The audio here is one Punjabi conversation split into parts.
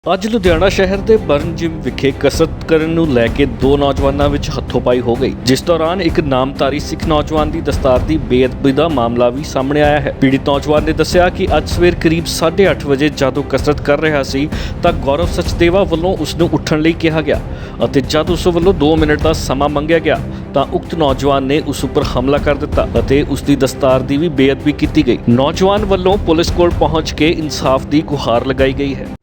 ਅੱਜ ਲੁਧਿਆਣਾ ਸ਼ਹਿਰ ਦੇ ਬਰਨ ਜਿਮ ਵਿਖੇ ਕਸਰਤ ਕਰਨ ਨੂੰ ਲੈ ਕੇ ਦੋ ਨੌਜਵਾਨਾਂ ਵਿੱਚ ਹੱਥੋਂ-ਪਾਈ ਹੋ ਗਈ, ਜਿਸ ਦੌਰਾਨ ਇੱਕ ਨਾਮਧਾਰੀ ਸਿੱਖ ਨੌਜਵਾਨ ਦੀ ਦਸਤਾਰ ਦੀ ਬੇਅਦਬੀ ਦਾ ਮਾਮਲਾ ਵੀ ਸਾਹਮਣੇ ਆਇਆ ਹੈ। ਪੀੜਿਤ ਨੌਜਵਾਨ ਨੇ ਦੱਸਿਆ ਕਿ ਅੱਜ ਸਵੇਰ ਕਰੀਬ 8:30 ਵਜੇ ਜਦੋਂ ਕਸਰਤ ਕਰ ਰਿਹਾ ਸੀ ਤਾਂ ਗੌਰਵ ਸਚਦੇਵਾ ਵੱਲੋਂ ਉਸ ਨੂੰ ਉੱਠਣ ਲਈ ਕਿਹਾ ਗਿਆ ਅਤੇ ਜਦ ਉਸ ਵੱਲੋਂ 2 ਮਿੰਟ ਦਾ ਸਮਾਂ ਮੰਗਿਆ ਗਿਆ ਤਾਂ ਉਕਤ ਨੌਜਵਾਨ ਨੇ ਉਸ ਉੱਪਰ ਹਮਲਾ ਕਰ ਦਿੱਤਾ ਅਤੇ ਉਸ ਦੀ ਦਸਤਾਰ ਦੀ ਵੀ ਬੇਅਦਬੀ ਕੀਤੀ ਗਈ। ਨੌਜਵਾਨ ਵੱਲੋਂ ਪੁਲਿਸ ਕੋਲ ਪਹੁੰਚ ਕੇ ਇਨਸਾਫ ਦੀ ਗੁਹਾਰ ਲਗਾਈ ਗਈ ਹੈ।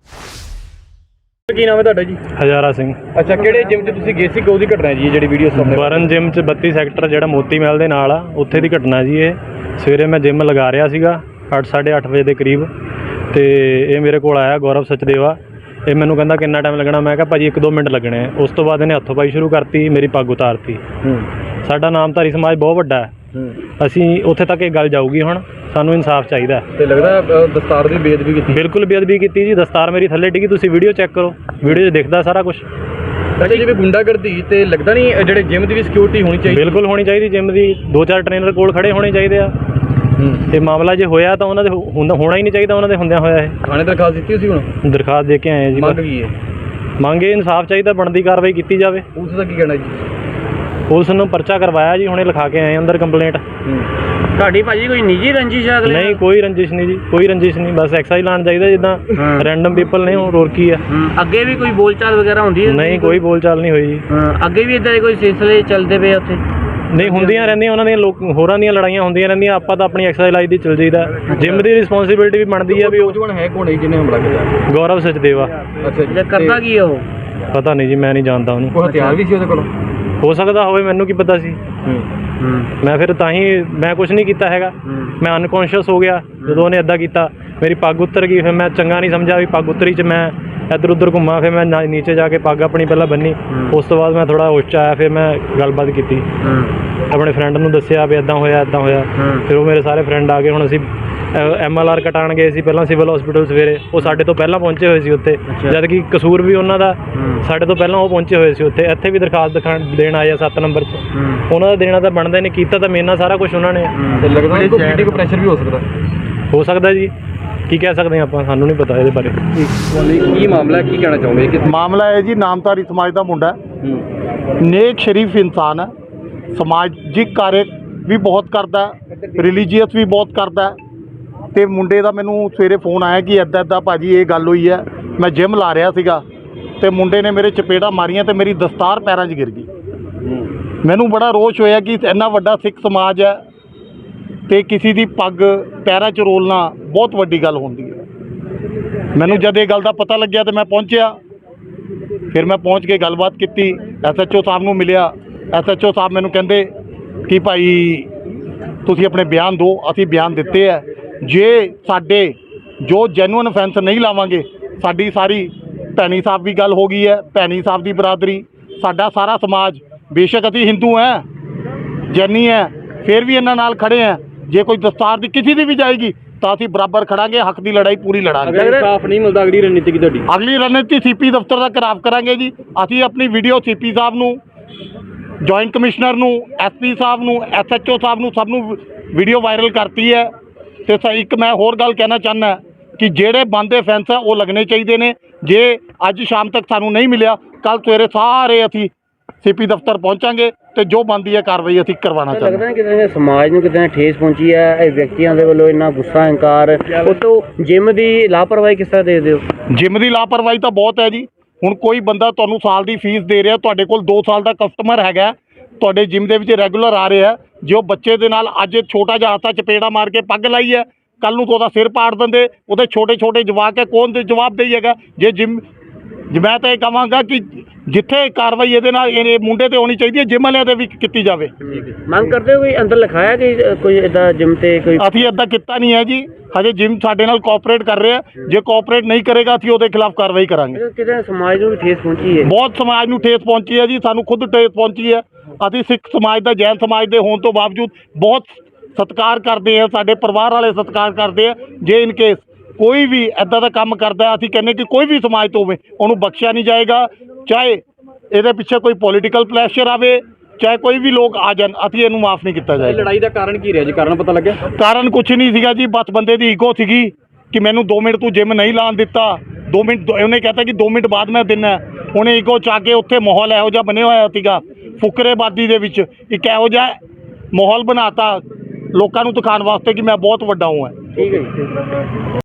ਕੀ ਨਾਮ ਹੈ ਤੁਹਾਡਾ ਜੀ? ਹਜ਼ਾਰਾ ਸਿੰਘ। ਅੱਛਾ, ਕਿਹੜੇ ਜਿਮ 'ਚ ਤੁਸੀਂ ਗਏ ਸੀ? ਕਦੋਂ ਦੀ ਘਟਨਾ ਜੀ ਜਿਹੜੀ ਵੀਡੀਓ ਸਾਹਮਣੇ? ਬਰਨ ਜਿਮ 'ਚ 32 ਸੈਕਟਰ ਜਿਹੜਾ ਮੋਤੀ ਮਹਿਲ ਦੇ ਨਾਲ ਆ, ਉੱਥੇ ਦੀ ਘਟਨਾ ਜੀ। ਇਹ ਸਵੇਰੇ ਮੈਂ ਜਿਮ ਲਗਾ ਰਿਹਾ ਸੀਗਾ 8-8:30 ਵਜੇ ਦੇ ਕਰੀਬ, ਤੇ ਇਹ ਮੇਰੇ ਕੋਲ ਆਇਆ ਗੌਰਵ ਸਚਦੇਵਾ। ਇਹ ਮੈਨੂੰ ਕਹਿੰਦਾ ਕਿੰਨਾ ਟਾਈਮ ਲੱਗਣਾ? ਮੈਂ ਕਿਹਾ ਭਾਜੀ 1-2 ਮਿੰਟ ਲੱਗਣੇ ਆ। ਉਸ ਤੋਂ ਬਾਅਦ ਇਹਨੇ ਹੱਥੋਂ ਪਾਈ ਸ਼ੁਰੂ ਕਰਤੀ, ਮੇਰੀ ਪੱਗ ਉਤਾਰਤੀ। ਸਾਡਾ ਨਾਮਧਾਰੀ ਸਮਾਜ ਬਹੁਤ ਵੱਡਾ ਹੈ, ਅਸੀਂ ਉੱਥੇ ਤੱਕ ਇਹ ਗੱਲ ਜਾਊਗੀ। ਹੁਣ ਸਾਨੂੰ ਇਨਸਾਫ ਚਾਹੀਦਾ। ਤੇ ਲੱਗਦਾ ਦਸਤਾਰ ਦੀ ਬੇਅਦਬੀ ਕੀਤੀ? ਬਿਲਕੁਲ ਬੇਅਦਬੀ ਕੀਤੀ ਜੀ। ਦਸਤਾਰ ਮੇਰੀ ਥੱਲੇ ਡਿੱਗੀ, ਤੁਸੀਂ ਵੀਡੀਓ ਚੈੱਕ ਕਰੋ, ਵੀਡੀਓ 'ਚ ਦਿਖਦਾ ਸਾਰਾ ਕੁਝ। ਅੱਛਾ, ਜਿਵੇਂ ਗੁੰਡਾਗਰਦੀ ਤੇ ਲੱਗਦਾ ਨਹੀਂ ਜਿਹੜੇ ਜਿਮ ਦੀ ਵੀ ਸਿਕਿਉਰਿਟੀ ਹੋਣੀ ਚਾਹੀਦੀ? ਬਿਲਕੁਲ ਹੋਣੀ ਚਾਹੀਦੀ। ਜਿਮ ਦੀ 2-4 ਟ੍ਰੇਨਰ ਕੋਲ ਖੜੇ ਹੋਣੇ ਚਾਹੀਦੇ ਆ। ਤੇ ਮਾਮਲਾ ਜੇ ਹੋਇਆ ਤਾਂ ਉਹਨਾਂ ਦੇ ਹੋਣਾ ਹੀ ਨਹੀਂ ਚਾਹੀਦਾ, ਉਹਨਾਂ ਦੇ ਹੁੰਦਿਆਂ ਹੋਇਆ। ਇਹ ਥਾਣੇ ਦਰਖਾਸਤ ਦਿੱਤੀ ਸੀ? ਹੁਣ ਦਰਖਾਸਤ ਦੇ ਕੇ ਆਏ ਜੀ। ਮੰਗ ਕੀ ਹੈ? ਮੰਗੇ ਇਨਸਾਫ ਚਾਹੀਦਾ, ਬਣਦੀ ਕਾਰਵਾਈ ਕੀਤੀ ਜਾਵੇ। ਪੁਲਿਸ ਦਾ ਕੀ ਕਹਿਣਾ ਜੀ? ਪੁਲਿਸ ਨੂੰ ਪਰਚਾ ਕਰਵਾਇਆ ਜੀ, ਹੁਣੇ ਲਿਖਾ ਕੇ ਆਏ ਅੰਦਰ ਕੰਪਲੇਂਟ। ਤੁਹਾਡੀ ਭਾਜੀ ਕੋਈ ਨਿੱਜੀ ਰੰਜਿਸ਼ ਹੈ? ਨਹੀਂ, ਕੋਈ ਰੰਜਿਸ਼ ਨਹੀਂ ਜੀ, ਕੋਈ ਰੰਜਿਸ਼ ਨਹੀਂ। ਬਸ ਐਕਸਾਈਜ਼ ਲਾਉਣ ਚਾਹੀਦਾ, ਜਿੱਦਾਂ ਰੈਂਡਮ ਪੀਪਲ ਨੇ, ਹੋਰ ਕੀ ਆ। ਅੱਗੇ ਵੀ ਕੋਈ ਬੋਲਚਾਲ ਵਗੈਰਾ ਹੁੰਦੀ ਹੈ? ਨਹੀਂ, ਕੋਈ ਬੋਲਚਾਲ ਨਹੀਂ ਹੋਈ ਜੀ। ਅੱਗੇ ਵੀ ਇਦਾਂ ਦੇ ਕੋਈ ਸਿਲਸਿਲੇ ਚੱਲਦੇ ਪਏ ਉੱਥੇ? ਨਹੀਂ, ਹੁੰਦੀਆਂ ਰਹਿੰਦੀਆਂ ਉਹਨਾਂ ਦੀਆਂ, ਹੋਰਾਂ ਦੀਆਂ ਲੜਾਈਆਂ ਹੁੰਦੀਆਂ ਰਹਿੰਦੀਆਂ। ਆਪਾਂ ਤਾਂ ਆਪਣੀ ਐਕਸਾਈਜ਼ ਲਾਈ ਦੀ ਚੱਲ ਜਾਈਦਾ। ਜਿਮ ਦੀ ਰਿਸਪੌਂਸਿਬਿਲਟੀ ਵੀ ਬਣਦੀ ਆ ਵੀ। ਉਹ ਨੌਜਵਾਨ ਹੈ ਕੌਣ ਹੈ ਜਿਹਨੇ ਹਮਲਾ ਕੀਤਾ? ਗੌਰਵ ਸਚਦੇਵਾ। ਅੱਛਾ ਜੀ, ਕਰਦਾ ਕੀ ਹੈ ਉਹ? ਪਤਾ ਨਹੀਂ ਜੀ, ਮੈਂ ਨਹੀਂ ਜਾਣਦਾ ਉਹਨੂੰ। ਕੋਈ ਹਥਿਆਰ ਵੀ ਸੀ ਉਹਦੇ ਕੋਲ? ਹੋ ਸਕਦਾ ਹੋਵੇ, ਮੈਨੂੰ ਕੀ ਪਤਾ ਸੀ। ਮੈਂ ਫਿਰ ਤਾਂ ਹੀ ਮੈਂ ਕੁਝ ਨਹੀਂ ਕੀਤਾ ਹੈਗਾ। ਮੈਂ ਅਨਕੌਂਸ਼ੀਅਸ ਹੋ ਗਿਆ ਜਦੋਂ ਉਹਨੇ ਇੱਦਾਂ ਕੀਤਾ। ਮੇਰੀ ਪੱਗ ਉੱਤਰ ਗਈ, ਫਿਰ ਮੈਂ ਚੰਗਾ ਨਹੀਂ ਸਮਝਿਆ ਵੀ ਪੱਗ ਉਤਰੀ 'ਚ ਮੈਂ ਇੱਧਰ ਉੱਧਰ ਘੁੰਮਾ। ਫਿਰ ਮੈਂ ਨੀਚੇ ਜਾ ਕੇ ਪੱਗ ਆਪਣੀ ਪਹਿਲਾਂ ਬੰਨੀ। ਉਸ ਤੋਂ ਬਾਅਦ ਮੈਂ ਥੋੜ੍ਹਾ ਹੋਸ਼ 'ਚ ਆਇਆ, ਫਿਰ ਮੈਂ ਗੱਲਬਾਤ ਕੀਤੀ, ਆਪਣੇ ਫਰੈਂਡ ਨੂੰ ਦੱਸਿਆ ਵੀ ਇੱਦਾਂ ਹੋਇਆ ਇੱਦਾਂ ਹੋਇਆ। ਫਿਰ ਉਹ ਮੇਰੇ ਸਾਰੇ ਫਰੈਂਡ ਆ ਗਏ। ਹੁਣ ਅਸੀਂ MLR ਕਟਾਉਣ ਗਏ ਸੀ ਪਹਿਲਾਂ ਸਿਵਲ ਹਸਪੀਟਲ ਸਵੇਰੇ। ਉਹ ਸਾਡੇ ਤੋਂ ਪਹਿਲਾਂ ਪਹੁੰਚੇ ਹੋਏ ਸੀ ਉੱਥੇ, ਜਦ ਕਿ ਕਸੂਰ ਵੀ ਉਹਨਾਂ ਦਾ। ਸਾਡੇ ਤੋਂ ਪਹਿਲਾਂ ਉਹ ਪਹੁੰਚੇ ਹੋਏ ਸੀ ਉੱਥੇ। ਇੱਥੇ ਵੀ ਦਰਖਾਸਤ ਦੇਣ ਆਏ ਆ 7 ਨੰਬਰ 'ਚ। ਉਹਨਾਂ ਦਾ ਦੇਣਾ ਤਾਂ ਬਣਦਾ ਨਹੀਂ, ਕੀਤਾ ਤਾਂ ਮੇਰੇ ਨਾਲ ਸਾਰਾ ਕੁਝ ਉਹਨਾਂ ਨੇ। ਤੇ ਲੱਗਦਾ ਕੋਈ ਪੋਲੀਟੀਕਲ ਪ੍ਰੈਸ਼ਰ ਵੀ ਹੋ ਸਕਦਾ ਜੀ। ਕੀ ਕਹਿ ਸਕਦੇ ਆਪਾਂ, ਸਾਨੂੰ ਨਹੀਂ ਪਤਾ ਇਹਦੇ ਬਾਰੇ। ਕੀ ਮਾਮਲਾ, ਕੀ ਕਹਿਣਾ ਚਾਹੋਗੇ? ਮਾਮਲਾ ਹੈ ਜੀ, ਨਾਮਧਾਰੀ ਸਮਾਜ ਦਾ ਮੁੰਡਾ, ਨੇਕ ਸ਼ਰੀਫ ਇਨਸਾਨ ਹੈ, ਸਮਾਜਿਕ ਕਾਰਜ ਵੀ ਬਹੁਤ ਕਰਦਾ, ਰਿਲੀਜੀਅਸ ਵੀ ਬਹੁਤ ਕਰਦਾ। ਤੇ ਮੁੰਡੇ ਦਾ ਮੈਨੂੰ ਸਵੇਰੇ ਫੋਨ ਆਇਆ ਕਿ ਇੱਦਾਂ ਭਾਜੀ ਇਹ ਗੱਲ ਹੋਈ ਹੈ। ਮੈਂ ਜਿਮ ਲਾ ਰਿਹਾ ਸੀਗਾ ਤੇ ਮੁੰਡੇ ਨੇ ਮੇਰੇ ਚਪੇੜਾਂ ਮਾਰੀਆਂ ਤੇ ਮੇਰੀ ਦਸਤਾਰ ਪੈਰਾਂ 'ਚ ਗਿਰ ਗਈ। ਮੈਨੂੰ ਬੜਾ ਰੋਸ਼ ਹੋਇਆ ਕਿ ਇੰਨਾ ਵੱਡਾ ਸਿੱਖ ਸਮਾਜ ਹੈ ਤੇ ਕਿਸੇ ਦੀ ਪੱਗ ਪੈਰਾਂ 'ਚ ਰੋਲਣਾ ਬਹੁਤ ਵੱਡੀ ਗੱਲ ਹੁੰਦੀ ਹੈ। ਮੈਨੂੰ ਜਦ ਇਹ ਗੱਲ ਦਾ ਪਤਾ ਲੱਗਿਆ ਤੇ ਮੈਂ ਪਹੁੰਚਿਆ। ਫਿਰ ਮੈਂ ਪਹੁੰਚ ਕੇ ਗੱਲਬਾਤ ਕੀਤੀ, SHO ਸਾਹਿਬ ਨੂੰ ਮਿਲਿਆ। SHO ਸਾਹਿਬ ਮੈਨੂੰ ਕਹਿੰਦੇ ਕਿ ਭਾਈ ਤੁਸੀਂ ਆਪਣੇ ਬਿਆਨ ਦਿਓ। ਅਸੀਂ ਬਿਆਨ ਦਿੱਤੇ ਹੈ। ਜੇ ਸਾਡੇ ਜੋ ਜੈਨੂਅਨ ਅਫੈਂਸ ਨਹੀਂ ਲਾਵਾਂਗੇ, ਸਾਡੀ ਸਾਰੀ ਭੈਣੀ ਸਾਹਿਬ ਦੀ ਗੱਲ ਹੋ ਗਈ ਹੈ, ਭੈਣੀ ਸਾਹਿਬ ਦੀ ਬਰਾਦਰੀ, ਸਾਡਾ ਸਾਰਾ ਸਮਾਜ, ਬੇਸ਼ੱਕ ਅਸੀਂ ਹਿੰਦੂ ਹੈ, ਜੈਨੀ ਹੈ, ਫਿਰ ਵੀ ਇਹਨਾਂ ਨਾਲ ਖੜੇ ਹੈ। ਜੇ ਕੋਈ ਦਸਤਾਰ ਦੀ ਕਿਸੇ ਦੀ ਵੀ ਜਾਏਗੀ ਤਾਂ ਅਸੀਂ ਬਰਾਬਰ ਖੜਾਂਗੇ, ਹੱਕ ਦੀ ਲੜਾਈ ਪੂਰੀ ਲੜਾਂਗੇ। ਅਗਰ ਇਨਸਾਫ ਨਹੀਂ ਮਿਲਦਾ, ਅਗਲੀ ਰਣਨੀਤੀ ਕੀ ਤੁਹਾਡੀ? ਅਗਲੀ ਰਣਨੀਤੀ CP ਦਫ਼ਤਰ ਦਾ ਘਿਰਾਵ ਕਰਾਂਗੇ ਜੀ। ਅਸੀਂ ਆਪਣੀ ਵੀਡੀਓ CP ਸਾਹਿਬ ਨੂੰ, ਜੁਆਇੰਟ ਕਮਿਸ਼ਨਰ ਨੂੰ, SP ਸਾਹਿਬ ਨੂੰ, SHO ਸਾਹਿਬ ਨੂੰ, ਸਭ ਨੂੰ ਵੀਡੀਓ ਵਾਇਰਲ ਕਰਤੀ ਹੈ। ਤੇ ਇੱਕ ਮੈਂ ਹੋਰ ਗੱਲ ਕਹਿਣਾ ਚਾਹੁੰਦਾ ਕਿ ਜਿਹੜੇ ਬੰਦ ਫੈਂਸ ਆ ਉਹ ਲੱਗਣੇ ਚਾਹੀਦੇ ਨੇ। ਜੇ ਅੱਜ ਸ਼ਾਮ ਤੱਕ ਸਾਨੂੰ ਨਹੀਂ ਮਿਲਿਆ, ਕੱਲ੍ਹ ਸਵੇਰੇ ਸਾਰੇ ਅਸੀਂ CP ਦਫ਼ਤਰ ਪਹੁੰਚਾਂਗੇ ਤੇ ਜੋ ਬਣਦੀ ਹੈ ਕਾਰਵਾਈ ਅਸੀਂ ਕਰਵਾਉਣਾ ਚਾਹੁੰਦੇ ਹਾਂ। ਲੱਗਦਾ ਕਿਤੇ ਸਮਾਜ ਨੂੰ ਕਿਤੇ ਠੇਸ ਪਹੁੰਚੀ ਹੈ ਇਹ ਵਿਅਕਤੀਆਂ ਦੇ ਵੱਲੋਂ, ਇੰਨਾ ਗੁੱਸਾ ਹੰਕਾਰ। ਉਹ ਤੋਂ ਜਿਮ ਦੀ ਲਾਪਰਵਾਹੀ ਕਿਸ ਤਰ੍ਹਾਂ ਦੇਖਦੇ ਹੋ? ਜਿਮ ਦੀ ਲਾਪਰਵਾਹੀ ਤਾਂ ਬਹੁਤ ਹੈ ਜੀ। ਹੁਣ ਕੋਈ ਬੰਦਾ ਤੁਹਾਨੂੰ ਸਾਲ ਦੀ ਫੀਸ ਦੇ ਰਿਹਾ, ਤੁਹਾਡੇ ਕੋਲ 2 ਸਾਲ ਦਾ ਕਸਟਮਰ ਹੈਗਾ, ਤੁਹਾਡੇ ਜਿਮ ਦੇ ਵਿੱਚ ਰੈਗੂਲਰ ਆ ਰਿਹਾ, ਜੇ ਉਹ ਬੱਚੇ ਦੇ ਨਾਲ ਅੱਜ ਛੋਟਾ ਜਿਹਾ ਹੱਥਾਂ ਚਪੇੜਾ ਮਾਰ ਕੇ ਪੱਗ ਲਾਈ ਹੈ, ਕੱਲ੍ਹ ਨੂੰ ਤਾਂ ਉਹਦਾ ਸਿਰ ਪਾੜ ਦਿੰਦੇ। ਉਹਦੇ ਛੋਟੇ ਜਵਾਕ ਹੈ, ਕੌਣ ਦੇ ਜਵਾਬ ਦੇਈਏਗਾ? ਜੇ ਜਿਮ, ਮੈਂ ਤਾਂ ਇਹ ਕਹਾਂਗਾ ਕਿ ਜਿੱਥੇ ਕਾਰਵਾਈ ਇਹਦੇ ਨਾਲ ਇਹ ਮੁੰਡੇ 'ਤੇ ਹੋਣੀ ਚਾਹੀਦੀ ਹੈ, ਜਿਮ ਵਾਲਿਆਂ 'ਤੇ ਵੀ ਕੀਤੀ ਜਾਵੇ। ਮੰਗ ਕਰਦੇ ਹੋ ਕੋਈ ਅੰਦਰ ਲਿਖਾਇਆ ਕਿ ਕੋਈ ਇੱਦਾਂ ਜਿਮ 'ਤੇ ਕੋਈ? ਅਸੀਂ ਇੱਦਾਂ ਕੀਤਾ ਨਹੀਂ ਹੈ ਜੀ, ਹਜੇ ਜਿਮ ਸਾਡੇ ਨਾਲ ਕੋਆਪਰੇਟ ਕਰ ਰਿਹਾ। ਜੇ ਕੋਆਪਰੇਟ ਨਹੀਂ ਕਰੇਗਾ ਅਸੀਂ ਉਹਦੇ ਖਿਲਾਫ ਕਾਰਵਾਈ ਕਰਾਂਗੇ। ਕਿਤੇ ਸਮਾਜ ਨੂੰ ਵੀ ਠੇਸ ਪਹੁੰਚੀ ਹੈ? ਬਹੁਤ ਸਮਾਜ ਨੂੰ ਠੇਸ ਪਹੁੰਚੀ ਹੈ ਜੀ, ਸਾਨੂੰ ਖੁਦ ਠੇਸ ਪਹੁੰਚੀ ਹੈ। ਅਸੀਂ ਸਿੱਖ ਸਮਾਜ ਦਾ, ਜੈਨ ਸਮਾਜ ਦੇ ਹੋਣ ਤੋਂ ਬਾਵਜੂਦ ਬਹੁਤ ਸਤਿਕਾਰ ਕਰਦੇ ਹਾਂ, ਸਾਡੇ ਪਰਿਵਾਰ ਵਾਲੇ ਸਤਿਕਾਰ ਕਰਦੇ ਆ। ਜੇ ਇਨ ਕੇਸ ਕੋਈ ਵੀ ਇੱਦਾਂ ਦਾ ਕੰਮ ਕਰਦਾ, ਅਸੀਂ ਕਹਿੰਦੇ ਕਿ ਕੋਈ ਵੀ ਸਮਾਜ ਤੋਂ ਹੋਵੇ, ਉਹਨੂੰ ਬਖਸ਼ਿਆ ਨਹੀਂ ਜਾਏਗਾ। ਚਾਹੇ ਇਹਦੇ ਪਿੱਛੇ ਕੋਈ ਪੋਲੀਟੀਕਲ ਪ੍ਰੈਸ਼ਰ ਆਵੇ, ਚਾਹੇ ਕੋਈ ਵੀ ਲੋਕ ਆ ਜਾਣ, ਅਸੀਂ ਇਹਨੂੰ ਮਾਫ ਨਹੀਂ ਕੀਤਾ ਜਾਏਗਾ। ਲੜਾਈ ਦਾ ਕਾਰਨ ਕੀ ਰਿਹਾ ਜੀ? ਕਾਰਨ ਪਤਾ ਲੱਗਿਆ? ਕਾਰਨ ਕੁਛ ਨਹੀਂ ਸੀਗਾ ਜੀ, ਬਸ ਬੰਦੇ ਦੀ ਈਗੋ ਸੀਗੀ ਕਿ ਮੈਨੂੰ 2 ਮਿੰਟ ਤੂੰ ਜਿਮ ਨਹੀਂ ਲਾਣ ਦਿੱਤਾ 2 ਮਿੰਟ ਉਹਨੇ ਕਹਤਾ ਕਿ 2 ਮਿੰਟ ਬਾਅਦ ਮੈਂ ਦਿੰਨਾ। ਉਹਨੇ ਇਕੋ ਚਾ ਕੇ ਉੱਥੇ ਮਾਹੌਲ ਇਹੋ ਜਿਹਾ ਬਣਿਆ ਹੋਇਆ ਸੀਗਾ ਫੁਕਰੇਬਾਦੀ ਦੇ ਵਿੱਚ, ਇੱਕ ਇਹੋ ਜਿਹਾ ਮਾਹੌਲ ਬਣਾਤਾ ਲੋਕਾਂ ਨੂੰ ਦਿਖਾਉਣ ਵਾਸਤੇ ਕਿ ਮੈਂ ਬਹੁਤ ਵੱਡਾ ਹਾਂ। ਠੀਕ ਹੈ ਜੀ।